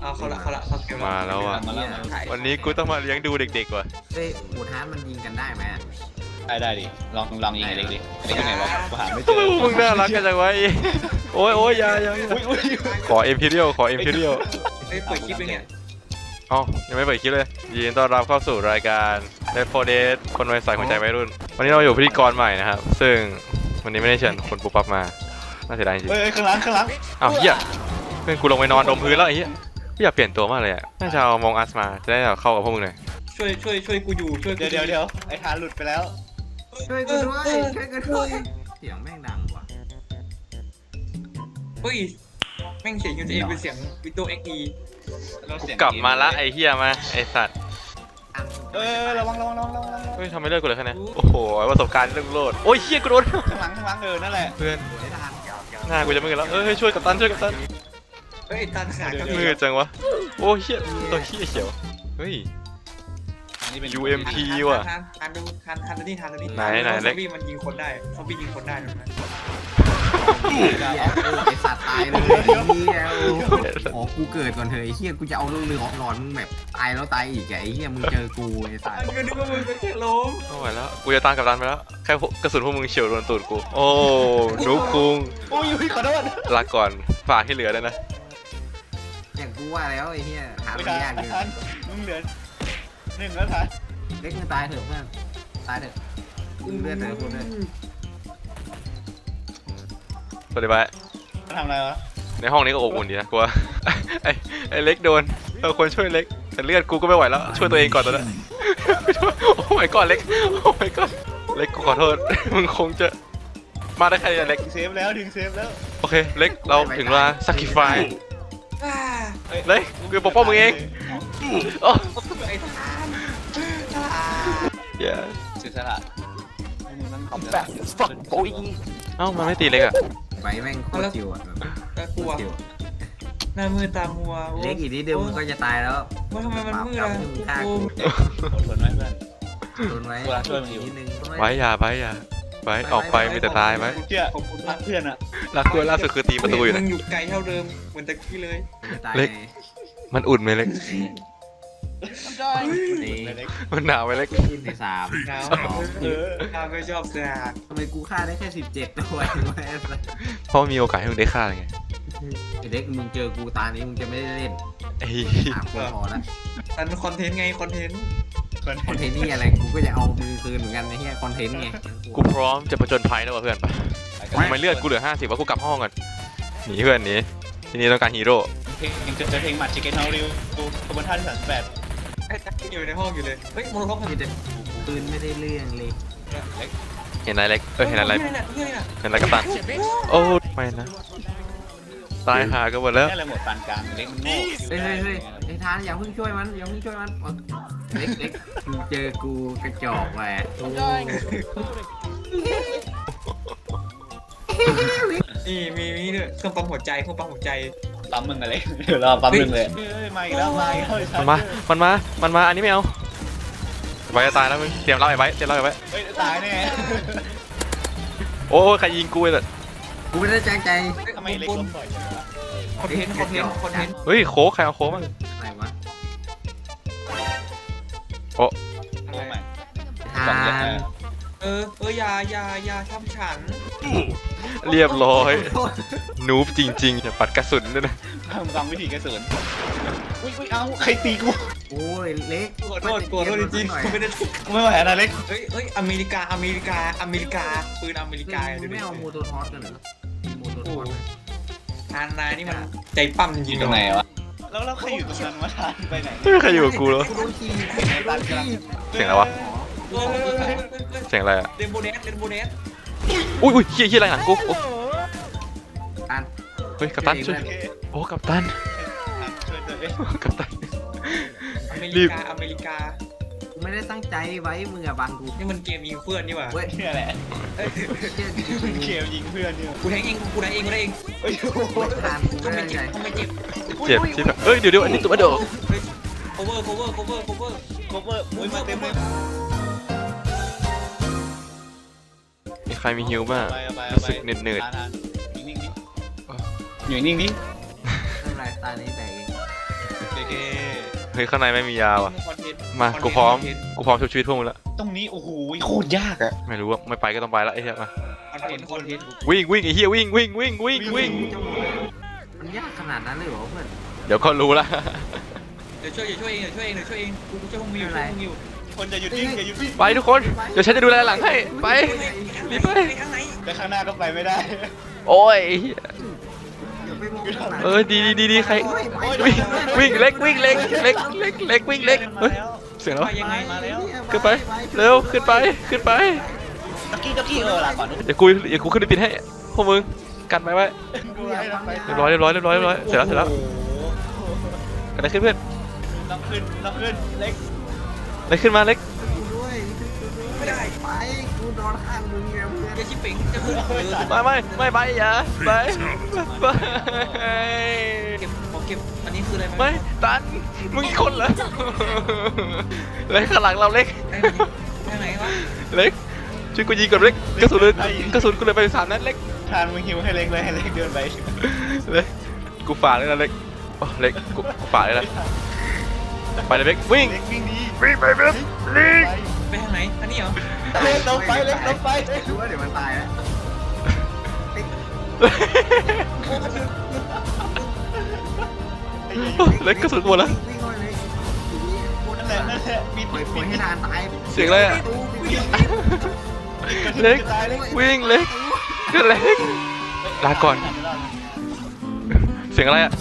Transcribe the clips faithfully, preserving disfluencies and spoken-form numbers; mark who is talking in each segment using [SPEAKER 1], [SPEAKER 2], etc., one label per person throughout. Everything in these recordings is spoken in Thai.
[SPEAKER 1] เอาเขาละเขาละเขาเกม
[SPEAKER 2] มาแล้วอ่ะ
[SPEAKER 3] มาแล้วมาแล้ว
[SPEAKER 2] วันนี้กูต้องมาเลี้ยงดูเด็กๆว่ะ
[SPEAKER 4] เฮ้ยบูทฮาร์ดมันยิงกันได้ไหม
[SPEAKER 3] ได้ได้ดิลองลองยิงไอ้เล็กดิไอ้เล็กอยู่ไหนวะกูหาไม่เจ
[SPEAKER 2] ทำไม
[SPEAKER 3] อ
[SPEAKER 2] พวกมึงน่ารักกันจังวะไอ้โอ้ยโอ้ยอยาอยา
[SPEAKER 3] อุ้ยอุ้ย
[SPEAKER 2] ขอเอ็มพีเรียลขอเอ็มพีเรียล
[SPEAKER 1] เฮ้ยเปิดคลิปเลยเนี่ย
[SPEAKER 2] เอ้ายังไม่เปิดคลิปเลยยินดีต้อนรับเข้าสู่รายการเดฟโฟเดสคนวัยใสหัวใจวัยรุ่นวันนี้เราอยู่พิธีกรใหม่นะครับซึ่งวันนี้ไม่ได้เชิญคนปุ๊บปั๊บมาน่าเสียดายจริง
[SPEAKER 3] เฮ้ยข้างหลังข้างหลัง
[SPEAKER 2] ๆอ้าวเหี้ยเพื่อนกูลงไปนอนดมพื้นแล้วไอ้เหี้ยกูอยากเปลี่ยนตัวมากเลยอ่ะน่าจะเอามองอัสมาจะได้เข้ากับพวกมึงหน่อย
[SPEAKER 1] ช่วยช่วยช่วยกูอยู่ช่วยกู
[SPEAKER 3] เดี๋ยวเดี๋ยวเดี๋ยวไอ้ทานหลุดไปแล้ว
[SPEAKER 4] ช่วยกูด้วยช่วยกูด้วยเสียงแม่งดังว่ะ
[SPEAKER 1] เฮ้ยแม่งเสียงยูเอเป็นเสียงวิดีโอเอ็กซ์อี
[SPEAKER 2] กูกลับมาละไอ้เหี้ยมาไอ้สัตว์
[SPEAKER 3] เออระวังระวังระวังระวังระวัง
[SPEAKER 2] เฮ้ยทำไมเลิกกูเลยแค่นี้โอ้โหประสบการณ์เรื่องโลดโอ้ยเหี้ยกูโดน
[SPEAKER 3] ข้างหลังข้างหลังเออนั่นแหละ
[SPEAKER 2] เพื่อน
[SPEAKER 4] ไม่ทัน
[SPEAKER 2] หน้ากูจะไม่เงินแล้วเอ้ยช่วยกับตันช่วยกับตัน
[SPEAKER 1] เฮ้ยตันขาด
[SPEAKER 2] มือจังวะโอ้เหี้ยตัวเหี้ยเขียวเฮ้ย
[SPEAKER 3] อันนี้เป็น
[SPEAKER 2] ยู เอ็ม พี ว่ะ
[SPEAKER 1] ทันทันดูทันทันดูนี่ทันดูนี่
[SPEAKER 2] ไหนไหน
[SPEAKER 1] ซ
[SPEAKER 2] เล็
[SPEAKER 1] อก มบี้มันยิงคนได้ซอมบี้ยิงคนได้ถูกไหม
[SPEAKER 4] เฮียไอสัตว์ตายเลยเฮียขอกูเกิดก่อนเถอะไอเฮียกูจะเอาเรื่องเรือหลอนมึงแบบตายแล้วตายอีกไอเฮียมึงเจอกูไอสัตว์
[SPEAKER 1] กูนึกว่ามึงเป็นแค่ล้ม
[SPEAKER 2] ไม่ไหวแล้วกูจะตามกับตันไปแล้วแค่กระสุนพวกมึงเฉียวโดนตูดกูโอ้นุ๊กคุง
[SPEAKER 3] โอ้ยอุ้ยขอโทษ
[SPEAKER 2] ลาก่อนฝากที่เหลือด้วยนะ
[SPEAKER 4] อย่างกูว่าแล้วไอเฮียหา
[SPEAKER 3] ไม่
[SPEAKER 4] ไม่
[SPEAKER 3] ทัน
[SPEAKER 4] ยากเลย
[SPEAKER 3] ทันมึงเหลือหนึ่งแล้วทัน
[SPEAKER 4] เล็กมึงตายเถอะเพื่อนตายเถอะมึงเลือดเถอะคุณเลย
[SPEAKER 2] สวัสดีบาย
[SPEAKER 3] ทำอะไรวะ
[SPEAKER 2] ในห้องนี้ก็อบอุ่นดีนะกูว่า ไอ้ไอ้เล็กโดนเราควรช่วยเล็กแต่เลือดกูก็ไม่ไหวแล้วช่วยตัวเองก่อนตอนนั้นโอ้ my god เล็กโอ้ my god เล็กกูขอโทษ มึงคงจะมาได้แค่นี้เล็ก
[SPEAKER 3] ถึงเซฟแล้วถึงเซฟแล้ว
[SPEAKER 2] โอเคเล็กเราถึงเวลา sacrifice
[SPEAKER 1] อ่า
[SPEAKER 2] เล็กกูจะปกป้องมึงเองโอ้
[SPEAKER 1] ไอ้ทาน
[SPEAKER 2] เย้
[SPEAKER 3] เสียสละมึงต้องทำแบบ
[SPEAKER 2] เอ้ามันไม่ตีเล็กอ่ะ
[SPEAKER 4] ไว้แม่งโคตรจิวอ่ะ
[SPEAKER 1] น่ากลัวหน้ามือตามัว
[SPEAKER 4] เล็กอีกนิดเดียวมึงก็จะตายแล้ว
[SPEAKER 1] ว่าทำไมมันมืดอ่ะ
[SPEAKER 3] อดทนไว้เพื่อน
[SPEAKER 4] โดนไว้
[SPEAKER 3] เวลาช่วยมึงอยู่
[SPEAKER 4] นิดนึง
[SPEAKER 2] ไว้อย่าไว้อย่าไว้ออกไปมีแต่ตายไว้
[SPEAKER 3] กูเชื่อรักเพื่อนอะ
[SPEAKER 2] รักกูล่าสุดคือตีประตูอยู่
[SPEAKER 1] มึ
[SPEAKER 2] นะ
[SPEAKER 1] งอยู่ไกลเท่าเดิมเหมือนตะกี้เลย
[SPEAKER 2] เล็ก มันอุ่นไหมเล็ก
[SPEAKER 4] นี่
[SPEAKER 2] มันหนาวไหมเล็ก
[SPEAKER 4] ขึ้นในสาม
[SPEAKER 1] หนาว
[SPEAKER 4] สอง
[SPEAKER 3] เออ
[SPEAKER 1] ข้าไม่ชอบเสือ
[SPEAKER 4] ทำไมกูฆ่าได้แค่สิบเจ็ดตัววะ
[SPEAKER 2] เพราะมีโอกาสให้มึงได้ฆ่าไง
[SPEAKER 4] ไอเด็กมึงเจอกูตานี้มึงจะไม่ได้เล่น
[SPEAKER 2] ไอ้
[SPEAKER 4] สามคนพอแล้ว
[SPEAKER 1] อันคอนเทนต์ไงคอนเทนต์
[SPEAKER 4] คอนเทนต์นี่อะไรกูก็จะเอามือคืนเหมือนกันไอ้เหี้ยคอนเทนต์ไง
[SPEAKER 2] กูพร้อมจะประจนภัยแล้วว่ะเพื่อนไปทำไมเลือดกูเหลือห้าสิบวะกูกลับห้องก่อนหนีเพื่อนหนีทีนี้ต้องการฮีโร่
[SPEAKER 3] เพลงจะจะเพลงหมัดชิคเก้นเฮาริวดูขบวนท่าที่สามสิบแปด
[SPEAKER 1] ไอ้ตะกี้อยู่ในห้องอยู่เลยเฮ้ยโมโนล็อก
[SPEAKER 4] มีแต่ปืนไม่ได้เรื่องเลย
[SPEAKER 3] เล็ก
[SPEAKER 2] เห็นอะไรเล็กเออเห็นอะไร
[SPEAKER 1] นี่น่ะนี่น่ะ
[SPEAKER 2] เห็นอะไรกับตันโอ้ไม่นะตายหากันหมดแล้ว
[SPEAKER 3] นี่อะไรหมดปานกลางเล็กมันโง่
[SPEAKER 4] เฮ้ยเฮ้ยเฮ้ยไอ้ทานอย่าเพิ่งช่วยมันอย่าเพิ่งช่วยมันเล็กเล็กมึงเจอกูกระจอกแหวะ
[SPEAKER 1] นี่มีมีด้วยเครื่องปั๊มหัวใจเครื่องปั๊มหัวใจ
[SPEAKER 3] ปั๊มมึงอะไรเดี๋ยวรอปั๊มมึงเลยเฮ้ยมาอีกแล้วมาอีกแล้ว
[SPEAKER 2] มันมา มันมา มันมา อันนี้ไม่เอาไว้จะตายแล้วมึง เตรียมรับไอ้ไว้ เตรียมรับไอ้ไว้
[SPEAKER 3] เฮ้ยตายแน่
[SPEAKER 2] โอ้ใครยิงกูเลย
[SPEAKER 4] กูไม่ได้แจ้งใจ
[SPEAKER 3] ทำไมเล็กล้มบ่อยจังวะ
[SPEAKER 1] คอนเทนต์คอนเทนต์คอนเทนต์
[SPEAKER 2] เฮ้ยโค้กใครเอาโค้กบ้าง
[SPEAKER 4] อะไรวะ
[SPEAKER 2] โอ้
[SPEAKER 3] โอ้ไม่
[SPEAKER 4] ทา
[SPEAKER 3] สองเล็ก
[SPEAKER 4] น
[SPEAKER 1] เออเอออยาอยาอยาทำฉัน
[SPEAKER 2] เรียบร้อยนูบจริงๆอย่าปัดกระสุนด้วยนะ
[SPEAKER 3] ฟังวิธีกระสุนอุ้ยอุ้ยเอ้าใครตีกู
[SPEAKER 4] โอ้ยเล็ก
[SPEAKER 1] ขอโทษขอโทษจริงๆไม่ได้
[SPEAKER 3] กูไม่ไหวนะเล็ก
[SPEAKER 1] เฮ้ยเฮ้ยอเมริกาอเมริกาอเมริกาปืนอเมริกา
[SPEAKER 4] มึงไม่เอาโมโตทอสกันเหรอโมโตทอส
[SPEAKER 1] ทานนายนี่มันใจปั้มจ
[SPEAKER 3] อ
[SPEAKER 1] ริง
[SPEAKER 3] ยู่
[SPEAKER 1] ๆ
[SPEAKER 3] ตรงไหนวะแล้วแล้วใครอยู่ตรงนั้นวะทานไปไหน
[SPEAKER 2] ไม่มีใครอยู่กับกูแล้ว
[SPEAKER 4] กูโดนขี่
[SPEAKER 3] ไอ้ตานกำลัง
[SPEAKER 2] เสียงอะไรวะ
[SPEAKER 1] เฮ้ยเฮ้ยเฮ้ยเฮ้ย
[SPEAKER 2] เสียงอะไรอ่ะ
[SPEAKER 1] เรนโบเนสเรนโบเนส
[SPEAKER 2] อุ้ยอุ้ยเฮียเฮียอะไรหลังกูโอ้
[SPEAKER 4] อัน
[SPEAKER 2] เฮ้ยกัปตันช่วย
[SPEAKER 3] โอเค
[SPEAKER 2] โอ้กัปตัน
[SPEAKER 3] ช่วยตัวเอง
[SPEAKER 2] กัปตัน
[SPEAKER 1] อเม
[SPEAKER 2] รี
[SPEAKER 1] ริ
[SPEAKER 2] บ
[SPEAKER 1] กาอเมริกา
[SPEAKER 4] กูไม่ได้ตั้งใจไว้มึงอะบังกู
[SPEAKER 1] นี่มันเกมยิงเพื่อนนี่หว่า
[SPEAKER 4] เว้ย
[SPEAKER 3] เนี่ยแหละ
[SPEAKER 1] เอ้ย
[SPEAKER 4] เชี่ย
[SPEAKER 3] เกมยิงเพื่อนเนี่ย
[SPEAKER 1] กูแทงเองกูได้เองกูได้เอง
[SPEAKER 3] เฮ้ย
[SPEAKER 4] ทานกู
[SPEAKER 1] ก็
[SPEAKER 4] ไม่
[SPEAKER 1] ไม่
[SPEAKER 4] ได้
[SPEAKER 1] เจ็
[SPEAKER 4] ใจ
[SPEAKER 1] บก็ไม่เจ็บ
[SPEAKER 2] เจ็บที่แบบเอ้ยเดี๋ยวเดี๋ยวอันนี้ตัวเดียว
[SPEAKER 1] โคเวอร์โคเวอร์โคเวอร์โคเวอร์
[SPEAKER 3] โคเวอร์อุ้ยมาเต็มเลย
[SPEAKER 2] มีใครมีฮิวบ้าง
[SPEAKER 3] ไปไป
[SPEAKER 2] รู้สึกเหนื่อย
[SPEAKER 3] ทานๆนิ่งๆดิอยู่นิ่งๆดิ
[SPEAKER 4] ไม่เป็นไรตานี้แตกเอง
[SPEAKER 3] เด็ก
[SPEAKER 2] เฮ้ยข้างในไม่มียาว่ะ
[SPEAKER 1] คอนเทนต์
[SPEAKER 2] มากูพร้อมกูพร้อมชุบชีวิตพวกมึงแล้ว
[SPEAKER 3] ตรงนี้โอ้โหโคตรยากอะ
[SPEAKER 2] ไม่รู้ว่าไม่ไปก็ต้องไปละไอ้เหี้ยมา
[SPEAKER 1] คอนเทนต์คอนเทนต์
[SPEAKER 2] วิ่งวิ่งไอ้เหี้ยวิ่งวิ่งวิ่งวิ่งวิ่ง
[SPEAKER 4] มันยากขนาดนั้นเลยเหรอเพื่อน
[SPEAKER 2] เดี๋ยวก็รู้ละ
[SPEAKER 1] เดี๋ยวช่วยเดี๋ยวช่วยเองเดี๋ยวช่วยเองเดี๋ยวช่วยเองกูกูช่วยพวกมึงอยู่ช่วยพวกมึงอยู่
[SPEAKER 3] คนจะหยุดวิ่งอย่าหยุดวิ่ง
[SPEAKER 2] ไปทุกคนเดี๋ยวฉันจะดูแลหลังให้ไปรีบไป
[SPEAKER 1] ข้างใน
[SPEAKER 3] แต่ข้างหน้าก็ไปไม่ได้
[SPEAKER 2] โอ้ยไอ้เหี้ย
[SPEAKER 4] อย่าไปมองข้างหลัง
[SPEAKER 2] เออดีดีดีดีใครวิ่งวิ่งเล็กวิ่งเล็กเล็กเล็กเล็กวิ่งเล็กเฮ้ยเสียงแล้ว
[SPEAKER 1] ไปยังไง
[SPEAKER 3] มาแล้ว
[SPEAKER 2] ขึ้นไปเร็วขึ้นไปขึ้นไป
[SPEAKER 3] ตะกี้ตะกี้เออหลังก่อน
[SPEAKER 2] เดี๋ยวกูเดี๋ยวกูขึ้นไปปิดให้พวกมึงกันไว้ไว้
[SPEAKER 3] ดูให้เราไป
[SPEAKER 2] เรียบร้อยเรียบร้อยเรียบร้อยเรียบร้อยเสร็จแล้วเสร็จแล้วกันได้ขึ้นเพื่อน
[SPEAKER 3] ต้องขึ้นต้องขึ้นเล็ก
[SPEAKER 2] ได้ขึ้นมาเล็ก
[SPEAKER 4] กูด้วย
[SPEAKER 1] ไม่ได้
[SPEAKER 4] ไปกูนอนข้างมึงไงเพื่อน
[SPEAKER 1] อย่าชิปเป่งจะขึ้นเออ
[SPEAKER 2] ไม่ไม่ไม่ไปอย่าไปไป
[SPEAKER 1] เก็บขอเก็บอันนี้คืออะไร
[SPEAKER 2] ไม่ตันมึงอีกคนเหรอเล็กข้างหลังเราเล็ก
[SPEAKER 1] ได้ไหนวะ
[SPEAKER 2] เล็กช่วยกูยิงก่อนเล็กกระสุนเลยกระสุนกูเลยไปสามนัดเล็ก
[SPEAKER 3] ทานมึงหิวให้เล็กเลยให้เล็กเดินไป
[SPEAKER 2] เล็กกูฝากเลยนะเล็กโอ้เล็กกูกูฝากเลยนะไปเลยเล็กวิ่ง
[SPEAKER 3] เล็กวิ่งดี
[SPEAKER 2] วิ่งไปเล็กลิง
[SPEAKER 1] ไปทางไหนอันนี้เหรอ
[SPEAKER 3] เล็กลงไปเล็กลงไป
[SPEAKER 4] รู้ว่าเดี๋ยวมันตายแล้ว
[SPEAKER 2] เล็กกระสุนหมดแล้ว
[SPEAKER 4] วิ่งเข้าไปเลยทีนี้พูด
[SPEAKER 3] นั่นแหละนั่นแหละมี
[SPEAKER 4] ปล่อยปล่อยให้ทานตาย
[SPEAKER 2] เสียงอะไรอะ
[SPEAKER 4] ตู้วิ่ง
[SPEAKER 2] เล็ก
[SPEAKER 3] ตายเล็ก
[SPEAKER 2] วิ่งเล็กก็เล็กลาก่อนเสียงอะไรอะ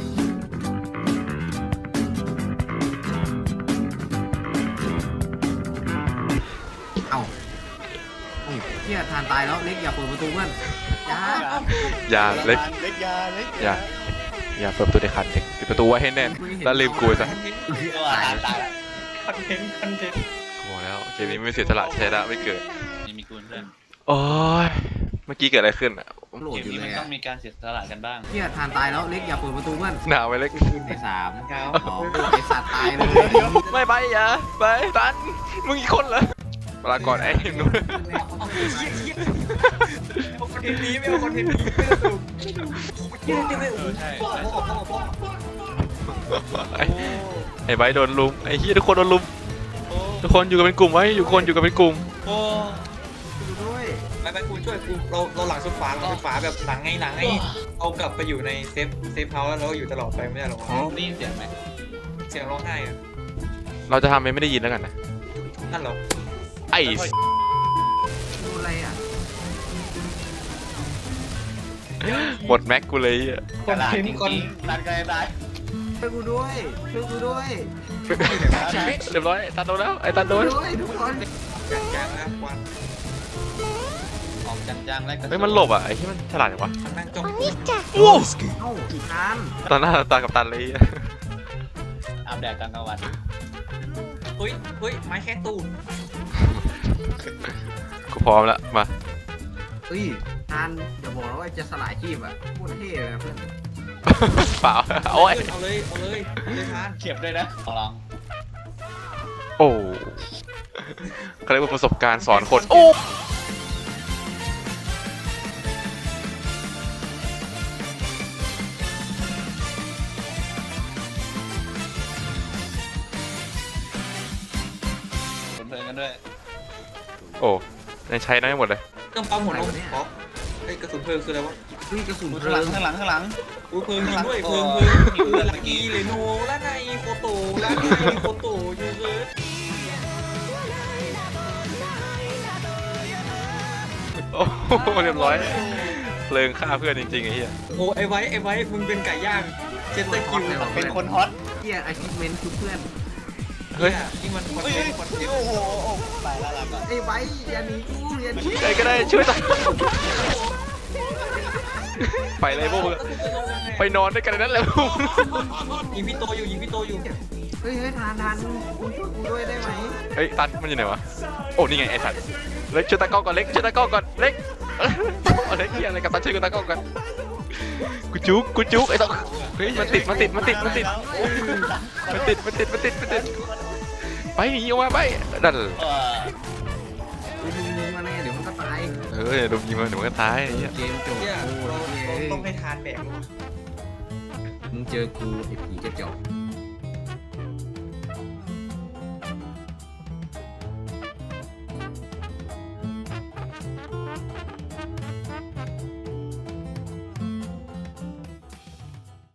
[SPEAKER 4] เอ้าเฮ้ยเฮียทานตายแล้วเล็กอย่าเปิดประตูเพื่อนอย่า
[SPEAKER 2] อย่าเล็ก
[SPEAKER 3] เล็กยาเล็ก
[SPEAKER 2] อย่า อย่าเปิดประตูเด็ดขาดเด็กปิดประตูไว้ให้แน่นแล้วลืมกูซะ
[SPEAKER 3] ตายตายแล้ว
[SPEAKER 1] คอนเทนต์คอนเทนต์
[SPEAKER 2] กูบอกแล้วเกมนี้ไม่เสียสละใช้ละไม่เกิด
[SPEAKER 3] นี่มีกูเพื่อน
[SPEAKER 2] โอ้ยเมื่อกี้เกิดอะไรขึ้นอะ
[SPEAKER 4] โหลด
[SPEAKER 3] เกม
[SPEAKER 4] อยู่
[SPEAKER 3] นี้
[SPEAKER 4] เล
[SPEAKER 3] มัน
[SPEAKER 4] ย
[SPEAKER 3] ต้
[SPEAKER 4] อะ
[SPEAKER 3] องมีการเสียสละกันบ้าง
[SPEAKER 4] เฮียทานตายแล้วเล็กอย่าเปิดประตูเพื่อน
[SPEAKER 2] หนาวไหมเล็ก
[SPEAKER 4] ในสาม
[SPEAKER 1] เก้า
[SPEAKER 4] สองไอสัตว์ตายเลย
[SPEAKER 2] ไม่ไปอย่าไปตันมึงอีกคนเหรอลาก่อนไอ้หนู
[SPEAKER 1] เอาเชี่ยเชี่ยเอาคอนเทนต์นี้ไม่เอาคอนเทนต์นี้ไม่เอาถูกเชี่ยเดี๋ยวไม่
[SPEAKER 3] เออใช่
[SPEAKER 1] พ่อพ่อพ่อพ่อ
[SPEAKER 2] ไอ้ไอ้ไบร์ทโดนลุมไอ้เฮียทุกคนโดนลุม
[SPEAKER 3] โอ้
[SPEAKER 2] ทุกคนอยู่กันเป็นกลุ่มไว้อยู่คนอยู่กันเป็นกลุ่ม
[SPEAKER 3] โอ้
[SPEAKER 4] ดูด้วย
[SPEAKER 1] ไปไปกูช่วยกูเราเราหลังสุดฝาหลังสุดฝาแบบหลังไงหลังไงเอากลับไปอยู่ในเซฟเซฟเฮาส์แล้วเราอยู่ตลอดไปไม่ได้หรอก
[SPEAKER 3] ได้ยินเสียงไหม
[SPEAKER 1] เสียงร้องไห้อะ
[SPEAKER 2] เราจะทำเป็นไม่ได้ยินแล้วกันนะ
[SPEAKER 1] นั่นเหรอ
[SPEAKER 2] ไอ้
[SPEAKER 4] ดูอะไรอ่ะ
[SPEAKER 2] หมดแม็กกูเลยอะ
[SPEAKER 3] กระดาษจริงๆตัดกันได้
[SPEAKER 4] ช่วยกูด้วยช่วยกูด้วย
[SPEAKER 2] เรียบร้อยตันโดนแล้วไอ้ตันโด
[SPEAKER 4] ช่วย
[SPEAKER 2] น
[SPEAKER 4] ด้วยทุกคน
[SPEAKER 1] แกงนะควัน
[SPEAKER 3] ออกจังๆแล้วก็
[SPEAKER 2] เฮ้ยมันหลบอ่ะไอ้ที่มันฉลาดจังวะ
[SPEAKER 1] มันนั่งจ้อง
[SPEAKER 2] โอ้
[SPEAKER 4] เอ้าทาน
[SPEAKER 2] ตอนหน้าตากับตันเลยอะ
[SPEAKER 3] อาบแดดกลางกลางวัน
[SPEAKER 1] เฮ้ยเฮ้ยไม้แค่ตูน
[SPEAKER 2] กูพร้อมแล้วมา
[SPEAKER 4] เอ้ยทานอย่าบอกนะว่าจะสลายชีพอ่ะพูดเท่เลยนะเพื่อน
[SPEAKER 2] เปล่าโอ้ย
[SPEAKER 1] เอาเลยเอาเลยเอาเลยทาน
[SPEAKER 3] เขียบด้วยนะลอง
[SPEAKER 2] โอ้เขาเรียกว่าประสบการณ์สอนคนโอ้
[SPEAKER 3] เพลินๆกันด้วย
[SPEAKER 2] โอ้ยังใช้น้อยหมดเลย
[SPEAKER 1] เครื่องปั๊มหัวนมขอไอ้กระสุนเพลิงคืออะไรวะ
[SPEAKER 4] เฮ้ยกระสุนเพ
[SPEAKER 3] ข้าง
[SPEAKER 4] ลิ
[SPEAKER 3] หลัง
[SPEAKER 4] ง
[SPEAKER 3] ข้างหลังข้างหลัง
[SPEAKER 1] อุ้ยเพลิงยิงด้วยเพลิงเพลิงเพลิงลักกี้เลโนและในโฟโต้และในโฟโต้ยูเซอร์
[SPEAKER 2] โอ้โหเรียบร้อยเพลิงฆ่าเพื่อนจริงๆไอ้เหี้ย
[SPEAKER 1] โอ้ไอ้ไว้ไอ้ไว้มึงเป็นไก่ย่างเจสเตอร์คิว
[SPEAKER 3] เป็นคนฮอต
[SPEAKER 4] เฮียอาชีพเมนคือเพื่อน
[SPEAKER 2] เฮ้ย
[SPEAKER 1] ที่มันคอน
[SPEAKER 3] เฮ้ย
[SPEAKER 1] เทนต์คอนเทนต์
[SPEAKER 3] โอ้โหไปแล้วล่ะก่อน
[SPEAKER 4] ไอ้ไว้อย่าหนีกูอย่าหนี
[SPEAKER 2] ใครก็ได้ช่วยตันไปเลยพวกมึงไปนอนด้วยกันในนั้นแหละพวกมึง
[SPEAKER 1] ยิงพี่โตอยู่ยิงพี่โตอยู่
[SPEAKER 4] เฮ้ยเฮ้ยทานทานคุณช่วยกูด้วยได้ไหม
[SPEAKER 2] เฮ้ยตันมันอยู่ไหนวะโอ้นี่ไงไอ้สัตว์เล็กช่วยตากล้องก่อนเล็กช่วยตากล้องก่อนเล็กเอาเล็กเหี้ยอะไรกับตันช่วยกูตากล้องก่อนกูจุกกูจุกไอ้ต้องเฮ้ยมันติดมันติดมันติดมันติดมันติดมันติดมันติดมันติดไปหนีออกมาไปดัน
[SPEAKER 3] เออ
[SPEAKER 4] เฮ้ยมึงยิงมาแน่เดี๋ยวมันก็ตาย
[SPEAKER 2] เออโดนยิงมาเดี๋ยวมันก็ตายไอ้เหี้ย
[SPEAKER 4] เกมจบ
[SPEAKER 1] เนี่ย
[SPEAKER 4] โอ้
[SPEAKER 1] เรา
[SPEAKER 4] ย
[SPEAKER 1] เราต้องให้ทานแบก
[SPEAKER 4] มึงเจอกูไอ้ผีกระจอก